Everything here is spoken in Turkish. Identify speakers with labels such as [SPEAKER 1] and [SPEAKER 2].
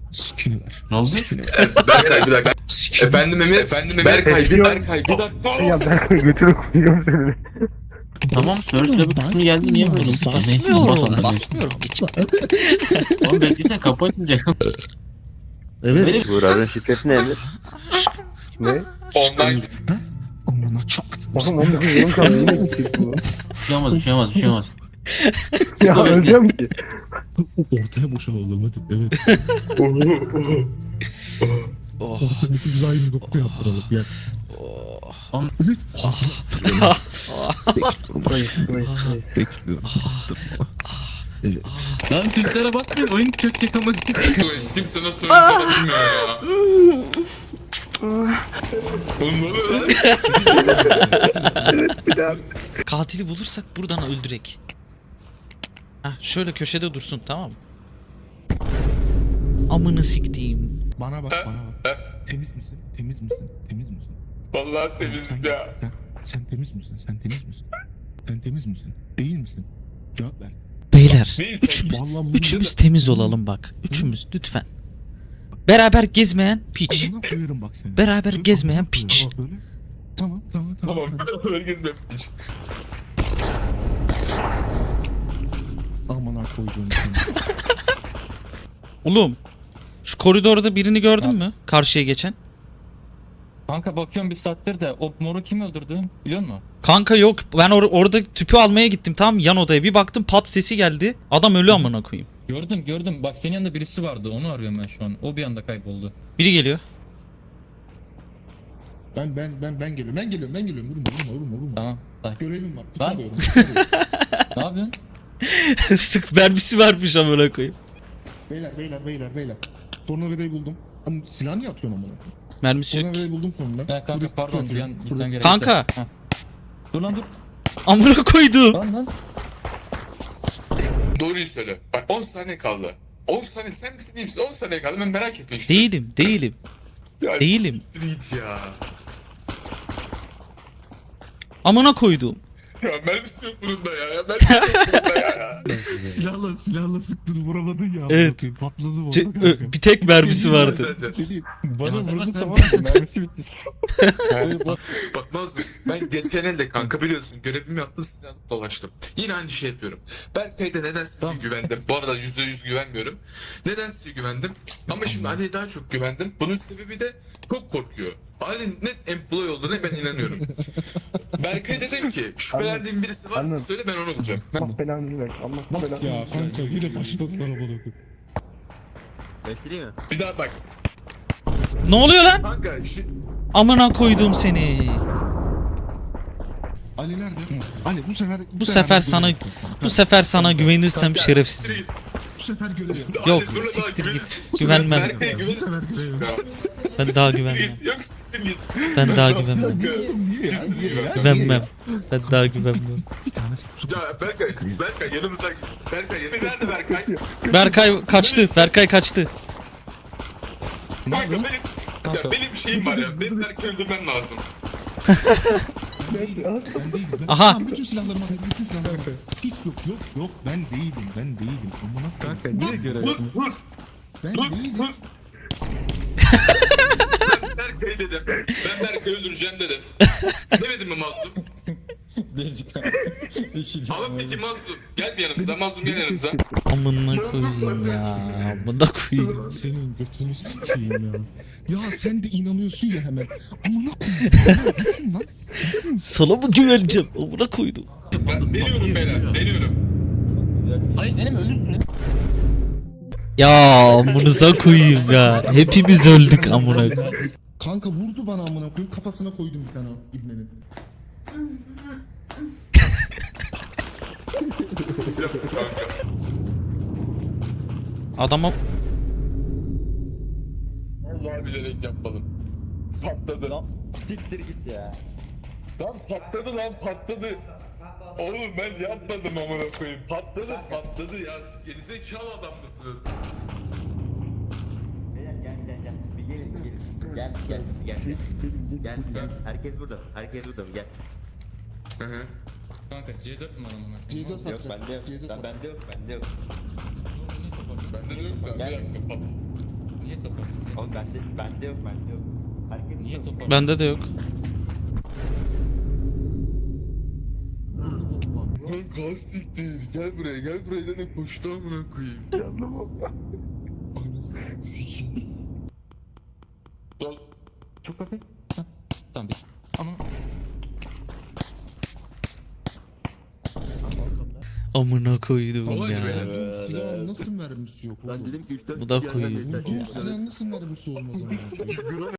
[SPEAKER 1] Sikini ver.
[SPEAKER 2] Ne oldu?
[SPEAKER 1] Sikini ver.
[SPEAKER 3] Berkay bir dakika.
[SPEAKER 1] Sikini
[SPEAKER 3] Efendim Emir. Berkay bir dakika.
[SPEAKER 4] Ya ben götürüp koyuyorum seni.
[SPEAKER 2] Tamam, First kısmı geldi, niye böyle?
[SPEAKER 5] Basmıyorum. Basmıyorum. Geç.
[SPEAKER 2] Oğlum beklesen kapı açılacak.
[SPEAKER 1] Evet.
[SPEAKER 6] Buğra'nın şifresi ne Emir?
[SPEAKER 4] Ne?
[SPEAKER 3] Online.
[SPEAKER 1] Amına çaktım.
[SPEAKER 4] Oğlum 19 yılım kaldı yine gidecek bu.
[SPEAKER 2] Bir şey olmaz, bir şey olmaz, bir şey olmaz.
[SPEAKER 4] Ya
[SPEAKER 2] Bekle.
[SPEAKER 4] öleceğim ki.
[SPEAKER 1] Ortaya boşalalım hadi. Evet.
[SPEAKER 5] Oh.
[SPEAKER 1] Ortaya hepimiz aynı nokta yaptıralım. Gel.
[SPEAKER 5] Oh.
[SPEAKER 1] Evet.
[SPEAKER 4] Burayı.
[SPEAKER 1] Bekliyorum. Attırma. Evet.
[SPEAKER 2] Lan Türklere basmayın, oyun çökecek ama.
[SPEAKER 3] Kimse nasıl oynayacağını bilmiyor ya. Oğlum ne oluyor lan?
[SPEAKER 5] Katili bulursak buradan öldürek. Heh, şöyle köşede dursun, tamam mı? Amını siktiğim.
[SPEAKER 1] Bana bak, bana bak. Temiz misin? Temiz misin? Temiz misin?
[SPEAKER 3] Vallahi temizim ya.
[SPEAKER 1] Sen temiz misin? Sen temiz misin? Sen temiz misin? Değil misin? Cevap ver.
[SPEAKER 5] Beyler,
[SPEAKER 3] Neyse.
[SPEAKER 1] Vallahi
[SPEAKER 5] üçümüz temiz olalım bak. Üçümüz lütfen. Beraber gezmeyen piç.
[SPEAKER 1] Amına koyarım bak seni.
[SPEAKER 5] Beraber
[SPEAKER 1] Dur,
[SPEAKER 5] gezmeyen
[SPEAKER 1] amına koyarım
[SPEAKER 5] piç.
[SPEAKER 1] bak böyle. Tamam.
[SPEAKER 3] Tamam. Herkes benmiş.
[SPEAKER 1] Amına koyduğum seni.
[SPEAKER 5] Oğlum, şu koridorda birini gördün mü? Karşıya geçen.
[SPEAKER 2] Kanka bakıyorum bir saattir de o moru kim öldürdü biliyor musun?
[SPEAKER 5] Kanka yok, ben orada tüpü almaya gittim, tamam mı? Yan odaya bir baktım, pat sesi geldi. Adam ölü amına koyayım.
[SPEAKER 2] Gördüm. Bak senin yanında birisi vardı, onu arıyorum ben şu an. O bir anda kayboldu.
[SPEAKER 5] Biri geliyor.
[SPEAKER 1] Ben geliyorum. Ben geliyorum. Vurma.
[SPEAKER 2] Tamam. Bak.
[SPEAKER 1] Görevim var.
[SPEAKER 2] Lan.
[SPEAKER 1] Tutarıyorum.
[SPEAKER 2] Ne yapıyorsun?
[SPEAKER 5] Sık mermisi varmış amına koyayım.
[SPEAKER 1] Beyler. Tornavidayı buldum. Ama silah niye atıyorsun amına?
[SPEAKER 5] Mermisi yok ki.
[SPEAKER 1] Tornavidayı buldum sonunda.
[SPEAKER 2] Ya kanka pardon, bir an gitmem gerekti.
[SPEAKER 5] Kanka.
[SPEAKER 2] Heh. Dur lan dur.
[SPEAKER 5] Amına koydum.
[SPEAKER 2] Lan.
[SPEAKER 3] Doğruyu söyle. Bak 10 saniye kaldı. 10 saniye sen misin değil misin? 10 saniye kaldı, ben merak etmek istiyorum.
[SPEAKER 5] Değilim.
[SPEAKER 3] Ya,
[SPEAKER 5] Değilim.
[SPEAKER 3] Git ya.
[SPEAKER 5] Amına koydum.
[SPEAKER 3] Ya mermisi yok bunun da ya. Mermisi yok bunun da ya.
[SPEAKER 1] Silahla sıktın vuramadın ya.
[SPEAKER 5] Evet.
[SPEAKER 1] Patladı bu.
[SPEAKER 5] Bir tek mermisi vardı.
[SPEAKER 2] Bana vurdu tamam
[SPEAKER 4] mı? Mermisi bitti.
[SPEAKER 3] Bak Nazlı, ben geçen elde kanka biliyorsun görevimi yaptım, silah alıp dolaştım. Yine aynı şey yapıyorum. Berkay'da neden size güvendim? Bu arada %100 güvenmiyorum. Neden size güvendim? Ama şimdi Ali'ye daha çok güvendim. Bunun sebebi de çok korkuyor. Ali net employee olduğuna ben inanıyorum. Berkay dedim ki şüphelendiğim birisi varsa
[SPEAKER 4] Anladım.
[SPEAKER 3] söyle, ben onu bulacağım.
[SPEAKER 4] Allah belanı ver. Allah
[SPEAKER 1] Bak
[SPEAKER 4] belanı
[SPEAKER 1] ya
[SPEAKER 4] ver.
[SPEAKER 1] kanka yine başladılar amına koyayım.
[SPEAKER 6] Göstereyim mi?
[SPEAKER 3] Bir daha bak.
[SPEAKER 5] Ne oluyor lan?
[SPEAKER 3] Kanka
[SPEAKER 5] Amına koydum seni.
[SPEAKER 1] Ali nerede? Ali
[SPEAKER 5] Bu sefer sana güvenirsem şerefsiz.
[SPEAKER 1] Bu sefer görev yap.
[SPEAKER 5] Yok, siktir git. Güvenmem.
[SPEAKER 3] Berkay'a güvenirsin.
[SPEAKER 5] Ben daha güvenmem.
[SPEAKER 3] Yok siktir git.
[SPEAKER 5] Ben daha güvenmem.
[SPEAKER 1] Niye ya?
[SPEAKER 5] Güvenmem. Ben daha güvenmem.
[SPEAKER 1] Bir tane sapsuk.
[SPEAKER 3] Ya Berkay yanımızda. Berkay nerede Berkay?
[SPEAKER 5] Berkay kaçtı.
[SPEAKER 3] Kanka benim bir şeyim var ya. Benim Berkay'ı öldürmem lazım.
[SPEAKER 1] Ben değilim.
[SPEAKER 5] Aha.
[SPEAKER 1] Tamam, bütün silahlarımı al. Hiç yok. Ben değilim. Amına koyayım.
[SPEAKER 4] Kanka niye görev yapıyorsun?
[SPEAKER 3] Vur.
[SPEAKER 1] Ben
[SPEAKER 3] Dur.
[SPEAKER 1] değilim.
[SPEAKER 3] Ben Berkay'ı dedim. Ben Berkay'ı öldüreceğim dedim. Demedim mi Mazlum? Ama peki Mazlum. Gel bir yanımıza. Mazlum gel yanımıza.
[SPEAKER 5] Amına koyayım ya. Amına koyayım.
[SPEAKER 1] Senin götünü sikeyim ya. Ya sen de inanıyorsun ya hemen. Amına koyayım. Lan.
[SPEAKER 5] Sana mı güveneceğim? Amına koydum.
[SPEAKER 3] Ben deniyorum beyler. Deniyorum.
[SPEAKER 2] Hayır deneme, ölürsün.
[SPEAKER 5] Ya amınıza koyayım ya. Hepimiz öldük amına koyayım.
[SPEAKER 1] Kanka vurdu bana amına koyayım. Kafasına koydum bir tane ibnenin.
[SPEAKER 5] Adama
[SPEAKER 3] Vallahi bilerek yapmadım. Patladı.
[SPEAKER 4] Siktir git ya.
[SPEAKER 3] Lan patladı. Oğlum ben yapmadım amına koyayım. Patladı ya. Gerizekalı adam mısınız?
[SPEAKER 6] Beyler gel. Bir gelin. Gel. Herkes burada. Gel.
[SPEAKER 3] Hı hı.
[SPEAKER 2] Kanka C4 mi var amına?
[SPEAKER 1] C4
[SPEAKER 6] Yok bende yok.
[SPEAKER 1] C4
[SPEAKER 6] Lan bende yok.
[SPEAKER 3] Bende de yok da bir dakika pat.
[SPEAKER 2] Niye toparladın?
[SPEAKER 6] Oğlum bende yok. Herkes
[SPEAKER 2] Niye
[SPEAKER 6] burada.
[SPEAKER 2] toparladın?
[SPEAKER 5] Bende de yok.
[SPEAKER 1] Kanka siktir. Gel buraya dedim koştu amına koyayım. Anasını sikeyim.
[SPEAKER 2] Çok hafif. Hah, tamam bir. Ama
[SPEAKER 5] Amına koydum
[SPEAKER 3] Kolay
[SPEAKER 5] ya.
[SPEAKER 3] be.
[SPEAKER 1] Silahın nasıl mermisi yok
[SPEAKER 6] Lan
[SPEAKER 1] oğlum?
[SPEAKER 6] dedim ki 3-4
[SPEAKER 5] Bu da koyayım.
[SPEAKER 1] Silahın nasıl mermisi olmaz ama?